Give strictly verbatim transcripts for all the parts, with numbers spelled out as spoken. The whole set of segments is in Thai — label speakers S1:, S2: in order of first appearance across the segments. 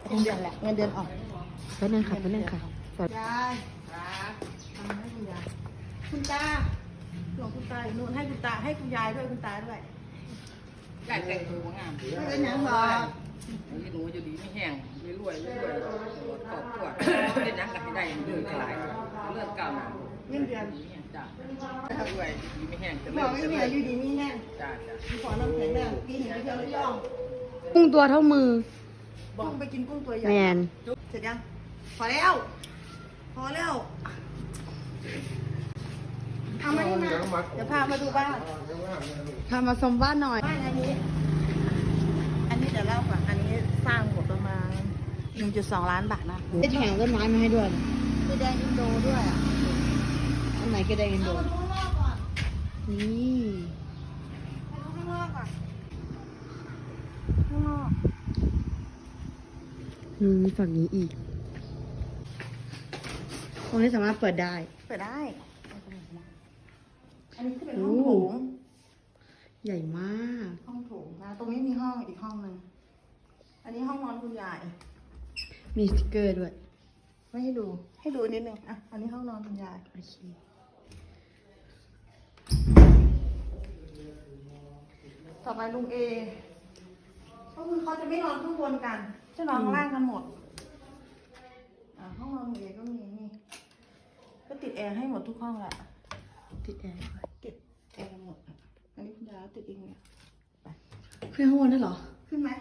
S1: เงินเดือนแหละเงินเดือนออก
S2: ไปนั่งค่ะไปนั่งค่ะสวัสดี
S1: ยายทำให้คุณยายคุณตาหลวงคุณตาอยู่นู่นให้คุณตาให้คุณยายด้วยคุณตาด้วย
S3: ยายแต่งตัวงาม
S1: ไม่เป็นหยังหรอก
S3: หนูจะดีไม่แห้งรวยรวยรวยขอบขวดเล่นนักกันให้ได้เลื่อนกลายเลื่อนก้าวหน้า
S1: เงินเดือน
S3: จ้ารวยดีไม่แห้งจะ
S1: บ
S3: เลื่
S1: อ
S3: อก น
S1: ไม่
S3: จะ
S1: มี
S3: เลื่อน
S1: อายุดีมีแห้ง
S3: จ้าจ้า
S1: ขอน้ำแข็งแรงกินหนึ่งไปเที่ยวระยอง
S2: กุ้งตัวเท่ามือ
S1: กุ้งไปกินกุ้งตัวใหญ่
S2: แมน
S1: เสร็จยังพอแล้วพอแล้วเอามานี่มาเดี๋ยวพามาดูบ้าน
S2: พามาชมบ้านหน่อย
S1: บ้านอันนี้ อันนี้เดี๋ยวเล่าก่อนอันนี้สร้างหมดประมาณ หนึ่งจุดสอง ล้านบาทนะ
S2: ได้แถมต้นไม้มาให้ด้วย
S1: มีแดงอินโดด้วยอ่ะ
S2: อันไหนก็ได้กัน
S1: เอา
S2: ดู
S1: มาดูข้างนอกก่อน
S2: นี่
S1: มาดูข้างนอกก่อนข้างนอก
S2: อืมฝั่งนี้อีกตรงนี้สามารถเปิดได้
S1: เปิดได้ อันนี้คือเป็นห้องโถง
S2: ใหญ่มาก
S1: ห้องโถงนะ ตรงนี้มีห้องอีกห้องหนึ่ง อันนี้ห้องนอนคุณยาย
S2: มีสติกเกอร์ด้วย
S1: ไม่ให้ดู ให้ดูนิดนึงอ่ะ อันนี้ห้องนอนคุณยาย
S2: โอเค
S1: ต่อไปลุงเอ ก็คือเขาจะไม่นอนข้างบนกัน จะนอนข้างล่างกันหมด อ่าห้องนอนลุงเอก็มีนี่ ก็ติดแอร์ให้หมดทุกห้องแหละ
S2: ติดแอร์
S1: ติดแอร์หมด อันนี้คุณยายติดเองเนี่ย
S2: ขึ้นข้างบนได้เหรอ
S1: ขึ้นไหม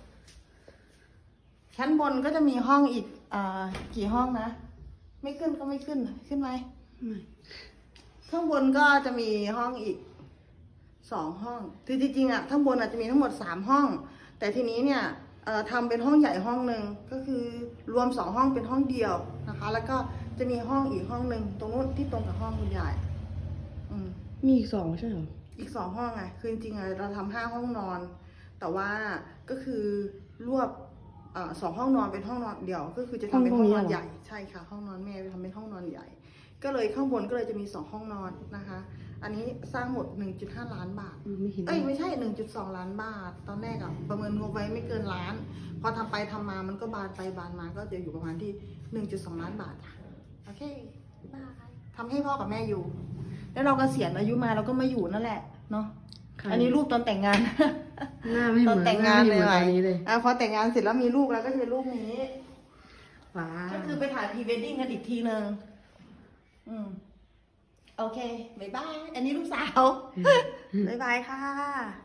S1: ชั้นบนก็จะมีห้องอีกอ่ากี่ห้องนะ ไม่ขึ้นก็ไม่ขึ้น ขึ้นไหม
S2: ไม่
S1: ข้างบนก็จะมีห้องอีกสองห้องคือจริงๆอ่ะข้างบนอาจจะมีทั้งหมดสามห้อง แต่ทีนี้เนี่ยเอ่อทำเป็นห้องใหญ่ห้องหนึ่งก็คือรวมสองห้องเป็นห้องเดียวนะคะ แล้วก็จะมีห้องอีกห้องหนึ่งตรงนู้นที่ตรงกับห้องคุณยายอืม
S2: มีอีกสองใช่เหรอ
S1: อีกสองห้องไงคือจริงๆอะเราทำห้าห้องนอน แต่ว่าก็คือรวบเอ่อสองห้องนอนเป็นห้องนอนเดี่ยว ก็คือจะทำเป็นห้องนอนใหญ่ใช่ค่ะ ห้องนอนแม่ไปทำเป็นห้องนอนใหญ่ ก็เลยข้างบนก็เลยจะมีสองห้องนอนนะคะ อันนี้สร้างหมด หนึ่งจุดห้า ล้านบาท
S2: อืมไม่เห็น
S1: เอ้ยไม่ใช่ หนึ่งจุดสอง ล้านบาท ตอนแรกอะประเมินงบไว้ไม่เกินล้าน พอทำไปทำมามันก็บานไปบานมาก็จะอยู่ประมาณที่ หนึ่งจุดสอง ล้านบาทค่ะโอเคบายทำให้พ่อกับแม่อยู่ แล้วเรากเกษียณอายุมาเราก็มาอยู่นั่นแหละเนาะ
S2: ค่ะ
S1: อันนี้รูปตอนแต่งงาน
S2: หน้าไม่เห
S1: ต
S2: มื
S1: อ
S2: อน น
S1: แต่งงาน
S2: ห
S1: เลย
S2: ตอนนี้เลย
S1: อ่ะพอแต่งงานเสร็จแล้วมีลูกแล้วก็จะเป็นรูปนี้
S2: ว้า
S1: ก็
S2: ว
S1: คือไปถ่ายพรีเวดดิ้งกันอีกทีนึงอืม โอเค บ๊ายบาย อันนี้ลูกสาว บ๊ายบายค่ะ